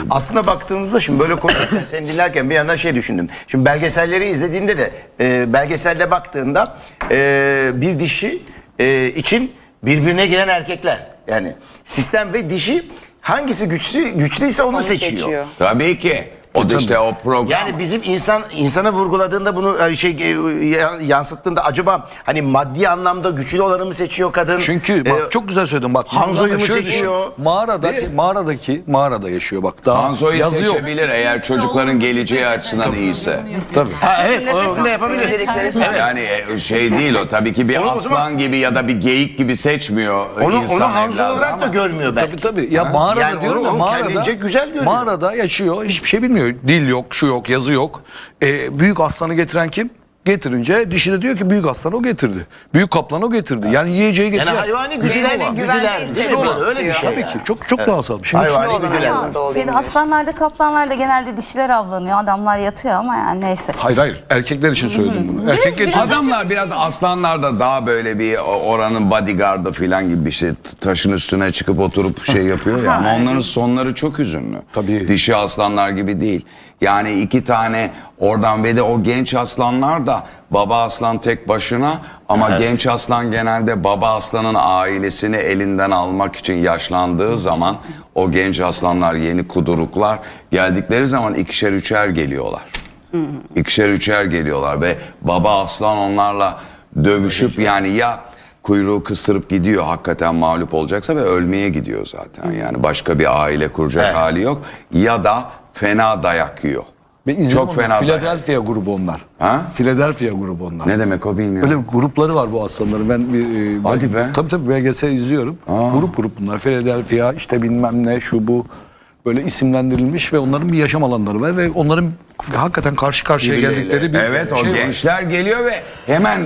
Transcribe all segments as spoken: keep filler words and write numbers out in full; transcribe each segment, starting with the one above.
Aslında baktığımızda şimdi böyle konuşurken seni dinlerken bir yandan şey düşündüm. Şimdi belgeselleri izlediğinde de e, belgeselde baktığında e, bir dişi e, için birbirine giren erkekler. Yani sistem ve dişi hangisi güçlü güçlüyse onu, onu seçiyor. seçiyor. Tabii ki. O da işte o program. Yani bizim insan insana vurguladığında bunu şey yansıttığında acaba hani maddi anlamda güçlü olanı mı seçiyor kadın? Çünkü bak ee, çok güzel söyledin bak. Hanzo'yu mu seçiyor? Mağaradaki mağaradaki mağarada yaşıyor bak. Daha Hanzo'yu yazıyor. seçebilir eğer çocukların geleceği açısından iyiyse. Tabii. Ha, evet onu da yapabilir. Evet. Yani şey değil o tabii ki bir Onu aslan zaman, gibi ya da bir geyik gibi seçmiyor onu, insan onu Hanzo evladı olarak ama. da görmüyor belki. Tabii tabii. Ya ha? Mağarada yani diyorum onu, ya onu mağarada güzel görüyor. Mağarada yaşıyor. Hiçbir şey bilmiyor. Dil yok, şu yok, yazı yok. Ee, büyük aslanı getiren kim? Getirince dişi de diyor ki büyük aslanı o getirdi. Büyük kaplanı o getirdi. Yani yiyeceği getiriyor. Yani hayvani güçler, güdüler, güçlü olan öyle bir şey. Tabii ki çok çok evet. Doğasal bir şey. Hayvani güdüler. Şeyde, aslanlarda, kaplanlarda genelde dişiler avlanıyor. Adamlar yatıyor ama yani neyse. Hayır hayır. Erkekler için söyledim bunu. Erkek getiriyor. Adamlar biraz aslanlarda daha böyle bir oranın bodyguardı falan gibi bir şey. Taşın üstüne çıkıp oturup şey yapıyor ya. Ama onların sonları çok hüzünlü. Tabii. Dişi aslanlar gibi değil. Yani iki tane oradan ve de o genç aslanlar da baba aslan tek başına ama evet. Genç aslan genelde baba aslanın ailesini elinden almak için yaşlandığı zaman o genç aslanlar yeni kuduruklar geldikleri zaman ikişer üçer geliyorlar. İkişer üçer geliyorlar ve baba aslan onlarla dövüşüp yani ya kuyruğu kısırıp gidiyor hakikaten mağlup olacaksa ve ölmeye gidiyor zaten. Yani başka bir aile kuracak evet. hali yok ya da fena dayak yiyor. Çok fena. Philadelphia grubu onlar. Ha? Philadelphia grubu onlar. Ne demek o bilmiyorum. Öyle grupları var bu aslanların. Ben bir Hadi be. Tabii tabii belgesel izliyorum. Aa. Grup grup bunlar. Philadelphia işte bilmem ne şu bu böyle isimlendirilmiş ve onların bir yaşam alanları var ve onların hakikaten karşı karşıya Birbirleriyle. geldikleri bir evet, şey o gençler var. Geliyor ve hemen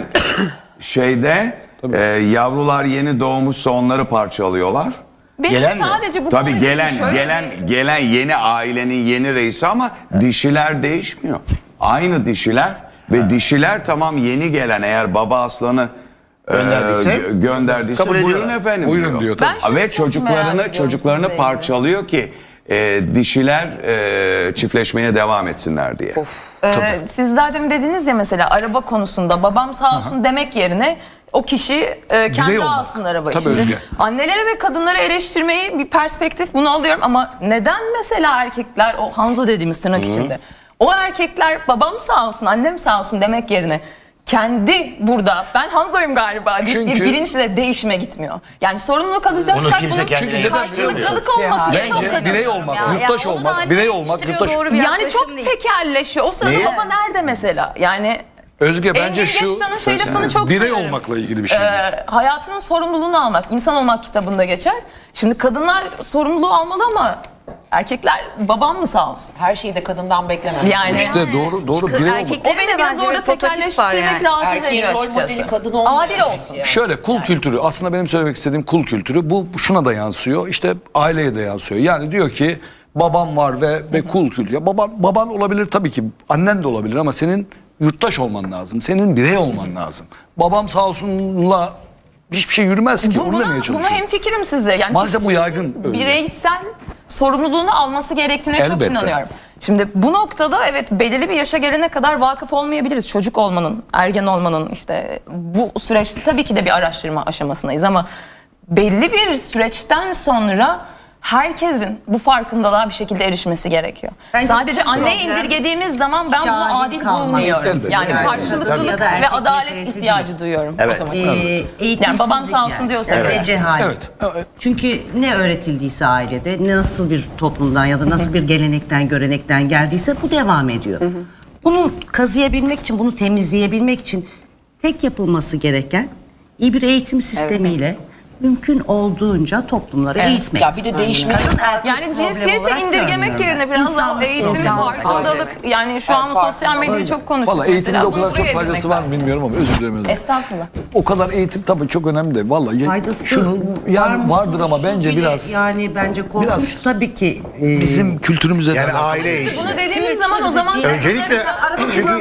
şeyde e, yavrular yeni doğmuşsa onları parçalıyorlar. Benim gelen sadece mi? bu Tabii gelen şöyle gelen bir... gelen yeni ailenin yeni reisi ama evet. Dişiler değişmiyor. Aynı dişiler ve evet. Dişiler tamam yeni gelen eğer baba aslanı gönderdiyse, e, gönderdiyse buyurun efendim buyurun diyor. diyor tabii. Ve çocuklarını çocuklarını parçalıyor ki e, dişiler e, çiftleşmeye devam etsinler diye. Ee, siz zaten dediniz ya mesela araba konusunda babam sağ olsun Aha. demek yerine o kişi e, kendi alsın arabayı. Tabii Şimdi Özge. annelere ve kadınlara eleştirmeyi bir perspektif bunu alıyorum ama neden mesela erkekler o Hanzo dediğimiz tırnak Hı. içinde o erkekler babam sağ olsun annem sağ olsun demek yerine kendi burada ben Hanzo'yum galiba deyip bir bilinçle değişime gitmiyor. Yani sorumluluk alacaksak Onu kimse bunun karşılıklılık olması bence birey olmak, ya, yurttaş ya, olmak, birey olmak, yurttaş. Yani çok değil. Tekelleşiyor. O sırada Niye? Baba nerede mesela? Yani Özge bence şu şey çok birey severim. olmakla ilgili bir şey. Ee, hayatının sorumluluğunu almak, insan olmak kitabında geçer. Şimdi kadınlar sorumluluğu almalı ama erkekler babam mı sağ olsun? Her şeyi de kadından beklemem. Yani işte yani, doğru doğru birey olmak. O beni biraz orada tekelleştirmek yani. Rahatsız ediyor açıkçası. Kadın adil olsun. Yani. Şöyle kul yani. kültürü aslında benim söylemek istediğim kul kültürü bu şuna da yansıyor. İşte aileye de yansıyor. Yani diyor ki babam var ve ve kul kültürü. Ya baban baban olabilir tabii ki. Annen de olabilir ama senin yurttaş olman lazım. Senin birey olman lazım. Babam sağ olsunla hiçbir şey yürümez ki. Bu, Onu buna, demeye çalışıyorum. buna hemfikirim sizle. Yani maalesef bu yaygın. Bireysel sorumluluğunu alması gerektiğine Elbette. çok inanıyorum. Şimdi bu noktada evet belirli bir yaşa gelene kadar vakıf olmayabiliriz. Çocuk olmanın, ergen olmanın işte bu süreçte tabii ki de bir araştırma aşamasındayız ama belli bir süreçten sonra herkesin bu farkındalığa bir şekilde erişmesi gerekiyor. Bence Sadece anneye indirgediğimiz zaman ben bunu adil bulmuyorum. Yani evet. karşılıklılık ve adalet ihtiyacı değil. duyuyorum. Evet. Ee, yani babam sağ olsun yani. diyorsa. Evet. Ve cehalet. Evet. Evet. Çünkü ne öğretildiyse ailede, ne nasıl bir toplumdan ya da nasıl bir gelenekten, görenekten geldiyse bu devam ediyor. Hı hı. Bunu kazıyabilmek için, bunu temizleyebilmek için tek yapılması gereken iyi bir eğitim sistemiyle evet. mümkün olduğunca toplumları evet. eğitmek. Ya bir de değişmek. Yani cinsiyeti indirgemek yerine biraz daha eğitim, farkındalık. Yani şu an sosyal medyayı çok konuşuyoruz. Valla eğitimde o kadar çok faydası var mı bilmiyorum ama özür dilerim. Estağfurullah. O kadar eğitim tabii çok önemli de. Valla faydası şunu yani vardır ama bence biraz. Yani bence korkunç biraz, tabii ki. E, bizim kültürümüze yani aile eğitimi. Bunu dediğimiz zaman o zaman öncelikle çünkü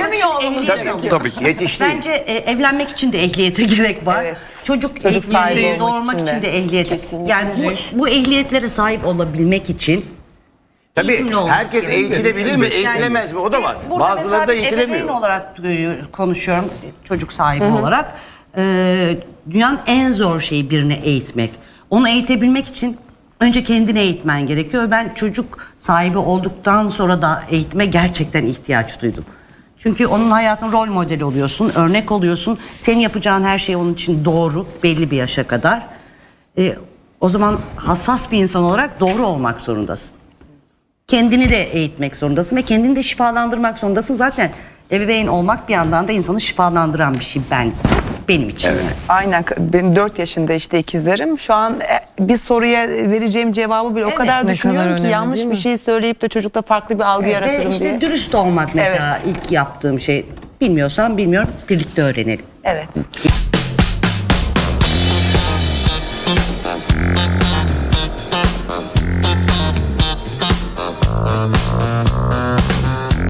tabii yetişti. Bence e, evlenmek için de ehliyete gerek var. Evet. Çocuk, Çocuk ehliyeti doğurmak için de, için de ehliyet. Kesinlikle. Yani bu, bu ehliyetlere sahip olabilmek için Tabii Eğitimli olmak herkes gerekiyor. eğitilebilir mi, Yani eğitilemez mi? O da var. burada Bazıları mesela da bir ebeveyn eğitilemiyor. olarak e, konuşuyorum, çocuk sahibi olarak. E, dünyanın en zor şeyi birini eğitmek. Onu eğitebilmek için önce kendini eğitmen gerekiyor. Ben çocuk sahibi olduktan sonra da eğitime gerçekten ihtiyaç duydum. Çünkü onun hayatın rol modeli oluyorsun, örnek oluyorsun. Senin yapacağın her şey onun için doğru belli bir yaşa kadar. E, o zaman hassas bir insan olarak doğru olmak zorundasın. Kendini de eğitmek zorundasın ve kendini de şifalandırmak zorundasın. Zaten ebeveyn olmak bir yandan da insanı şifalandıran bir şey ben benim için. Yani. Aynen. Benim dört yaşında işte ikizlerim. Şu an e, bir soruya vereceğim cevabı bile o kadar Ne düşünüyorum kadar ki önemli, yanlış değil bir mi? şey söyleyip de çocukta farklı bir algı Ve yaratırım işte diye. dürüst olmak mesela Evet. ilk yaptığım şey. Bilmiyorsam bilmiyorum, birlikte öğrenelim. Evet.